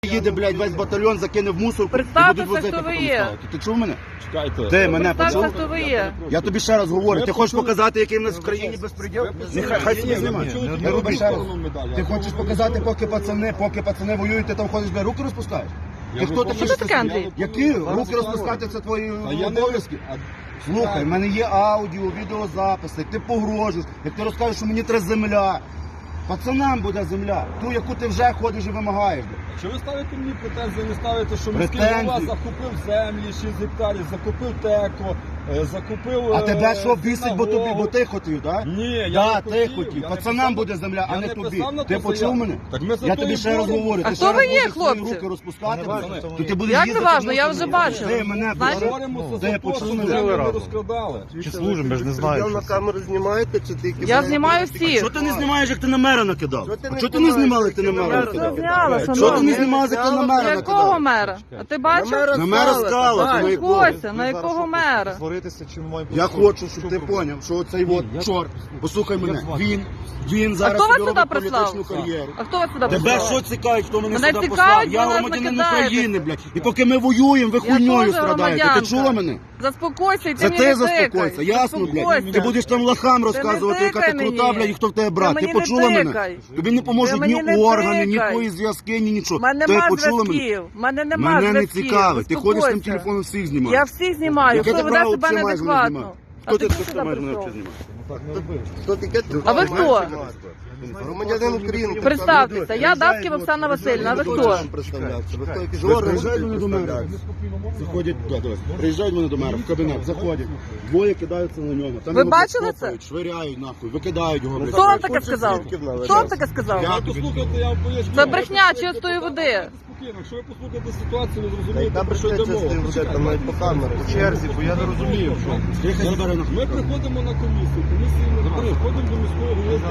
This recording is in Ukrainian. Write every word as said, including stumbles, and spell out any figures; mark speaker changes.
Speaker 1: Їде, блядь, весь батальйон закине в мусорку і
Speaker 2: Представтеся,
Speaker 1: будуть возити
Speaker 2: хто ви
Speaker 1: потім
Speaker 2: є.
Speaker 1: ставити. Ти чув мене?
Speaker 3: Чекайте.
Speaker 1: Ти мене
Speaker 2: Представтеся,
Speaker 1: почув?
Speaker 2: хто ви є.
Speaker 1: Я тобі ще раз говорю, ти хочеш
Speaker 3: почули-
Speaker 1: показати, який в нас в країні безпреділ? Нехай хай собі знімає.
Speaker 3: почули,
Speaker 1: Не роби ще раз.
Speaker 3: медаль.
Speaker 1: Ти хочеш показати, поки пацани, поки пацани воюють, ти там ходиш, бля, руки розпускаєш? Ти хто такий?
Speaker 2: Що таке, Андрій?
Speaker 1: Які? Руки розпускати – це твої
Speaker 3: А я не
Speaker 1: обов'язки.
Speaker 3: А-
Speaker 1: Слухай, в мене є аудіо, відеозаписи, як ти погрожуєш, як ти розкажеш, що мені треба земля. Пацанам буде земля, ту, яку ти вже ходиш і вимагаєш.
Speaker 3: Чи ви ставите мені претензії, не ставите, що міський
Speaker 1: Претензії?
Speaker 3: голова закупив землі, шість гектарів, закупив теко, е, закупив...
Speaker 1: А
Speaker 3: е,
Speaker 1: тебе що бісить, бо тобі,
Speaker 3: синагогу?
Speaker 1: бо ти хотів, так?
Speaker 3: Ні, я
Speaker 1: Да,
Speaker 3: не
Speaker 1: ти
Speaker 3: хотів.
Speaker 1: хотів.
Speaker 3: Я не
Speaker 1: Пацанам
Speaker 3: писав-
Speaker 1: буде земля, а
Speaker 3: я
Speaker 1: не
Speaker 3: не
Speaker 1: тобі.
Speaker 3: писав на
Speaker 1: Ти
Speaker 3: то
Speaker 1: почув
Speaker 3: заяву.
Speaker 1: мене?
Speaker 3: Так ми за
Speaker 1: Я
Speaker 3: то
Speaker 1: тобі
Speaker 3: і
Speaker 1: ще раз
Speaker 3: боремо.
Speaker 1: говорю,
Speaker 2: А
Speaker 1: ти
Speaker 2: хто
Speaker 1: ще
Speaker 2: ви
Speaker 1: раз
Speaker 2: є,
Speaker 1: будеш свої
Speaker 2: хлопці?
Speaker 1: руки розпускати,
Speaker 3: важно,
Speaker 1: то ти будеш
Speaker 2: Як не
Speaker 1: їздити
Speaker 2: важно, я
Speaker 1: в
Speaker 2: вже
Speaker 1: Луцьк.
Speaker 2: бачила.
Speaker 1: Ти мене
Speaker 2: Знаєте?
Speaker 1: почув?
Speaker 3: Боремося
Speaker 1: Ти
Speaker 3: за те,
Speaker 1: почув
Speaker 3: щоб
Speaker 1: мене?
Speaker 3: землю не
Speaker 4: разом.
Speaker 3: розкрадали.
Speaker 4: Чи служимо, ми ж не знаємо.
Speaker 5: Ви на камеру знімаєте, чи тільки...
Speaker 2: Я знімаю всіх.
Speaker 1: Що ти не знімаєш, як ти на мера накидав?
Speaker 5: Що ти
Speaker 1: А
Speaker 5: не
Speaker 1: чого ти не
Speaker 5: знімаєш,
Speaker 1: знімали,
Speaker 5: як
Speaker 1: як ти на
Speaker 5: ти на
Speaker 1: мера
Speaker 5: мера
Speaker 1: накидав?
Speaker 2: Зняла,
Speaker 1: Що ти
Speaker 2: шановні.
Speaker 1: не знімав, як ти на мера
Speaker 2: Якого
Speaker 1: накидав?
Speaker 2: мера? А ти бачив?
Speaker 1: На мера скала,
Speaker 2: А,
Speaker 1: ти на якого?
Speaker 2: Кося, на якого мера?
Speaker 4: Створитися, чи має
Speaker 1: Я хочу, щоб ти поняв, що цей от чорт, послухай мене, він, він
Speaker 2: А
Speaker 1: зараз
Speaker 2: хто вас
Speaker 1: собі
Speaker 2: сюди
Speaker 1: робить
Speaker 2: прислав?
Speaker 1: політичну кар'єру.
Speaker 2: А хто вас сюди
Speaker 1: Тебе
Speaker 2: прислав?
Speaker 1: що цікавить, хто мене
Speaker 2: Мене
Speaker 1: сюди
Speaker 2: цікавить,
Speaker 1: послав?
Speaker 2: бо
Speaker 1: Я
Speaker 2: ви
Speaker 1: громадянин
Speaker 2: накидаєте.
Speaker 1: України, блядь. І поки ми воюємо, ви
Speaker 2: Я
Speaker 1: хуйньою
Speaker 2: теж
Speaker 1: страдаєте. Ти
Speaker 2: громадянка.
Speaker 1: чула мене?
Speaker 2: Заспокойся і ти
Speaker 1: Це
Speaker 2: мені
Speaker 1: ти
Speaker 2: не
Speaker 1: заспокойся,
Speaker 2: тикай.
Speaker 1: ясно, блядь?
Speaker 2: Заспокойся.
Speaker 1: Ти будеш там лохам розказувати, яка ти
Speaker 2: тикай
Speaker 1: крута,
Speaker 2: мені.
Speaker 1: блядь, і хто в тебе брат.
Speaker 2: Ти
Speaker 1: Ти
Speaker 2: мені не
Speaker 1: почула мене?
Speaker 2: тикай.
Speaker 1: Тобі не поможуть
Speaker 2: Ти
Speaker 1: ні
Speaker 2: мені не
Speaker 1: органи, ні
Speaker 2: тикай.
Speaker 1: твої зв'язки, ні нічого.
Speaker 2: У мене
Speaker 1: Ти
Speaker 2: нема
Speaker 1: почула мене?
Speaker 2: зв'язків. У мене нема
Speaker 1: Мене не
Speaker 2: зв'язків.
Speaker 1: цікавить. Ти ходиш там
Speaker 2: Заспокойся.
Speaker 1: телефоном всіх знімаєш.
Speaker 2: Я всіх знімаю.
Speaker 1: Яке
Speaker 2: Хто
Speaker 1: ти
Speaker 2: веде
Speaker 1: право
Speaker 2: себе
Speaker 1: взагалі маєш мене
Speaker 2: неадекватно?
Speaker 1: знімати?
Speaker 2: А
Speaker 1: Хто
Speaker 2: ти
Speaker 1: ти
Speaker 2: що
Speaker 1: що
Speaker 2: сюди
Speaker 1: маєш мене
Speaker 2: прийшов?
Speaker 1: взагалі знімати?
Speaker 5: Хто таке?
Speaker 2: А ви хто?
Speaker 5: Громадянин України.
Speaker 2: Представтеся, я Давків Оксана Васильівна, а ви хто?
Speaker 5: Представлятися. Ви хто якийсь
Speaker 1: Ось
Speaker 5: орган
Speaker 1: приїжджають мене до мера.
Speaker 5: представлятися.
Speaker 1: Заходять, да, давай. Приїжджають мене до мера в кабінет, заходять. Двоє кидаються на нього. Там
Speaker 2: Ви
Speaker 1: його
Speaker 2: бачили
Speaker 1: копають, швиряють нахуй, викидають його. блядь.
Speaker 2: Хто вам таке сказав?
Speaker 5: свідків наведемо.
Speaker 2: Хто вам таке сказав?
Speaker 3: Я послухайте, я вам поясню.
Speaker 2: Це брехня чистої води.
Speaker 3: Спокійно, якщо ви послухаєте ситуацію, ви
Speaker 5: Та й
Speaker 3: зрозумієте,
Speaker 5: там
Speaker 3: про що йде
Speaker 5: прийшлося з
Speaker 3: мова.
Speaker 5: тим вже там навіть по камеру.
Speaker 4: в черзі, бо я не розумію, що.
Speaker 1: Приїхали, бере нахуй.
Speaker 3: Ми приходимо на комісію, комісії немає, приходимо до міського голови.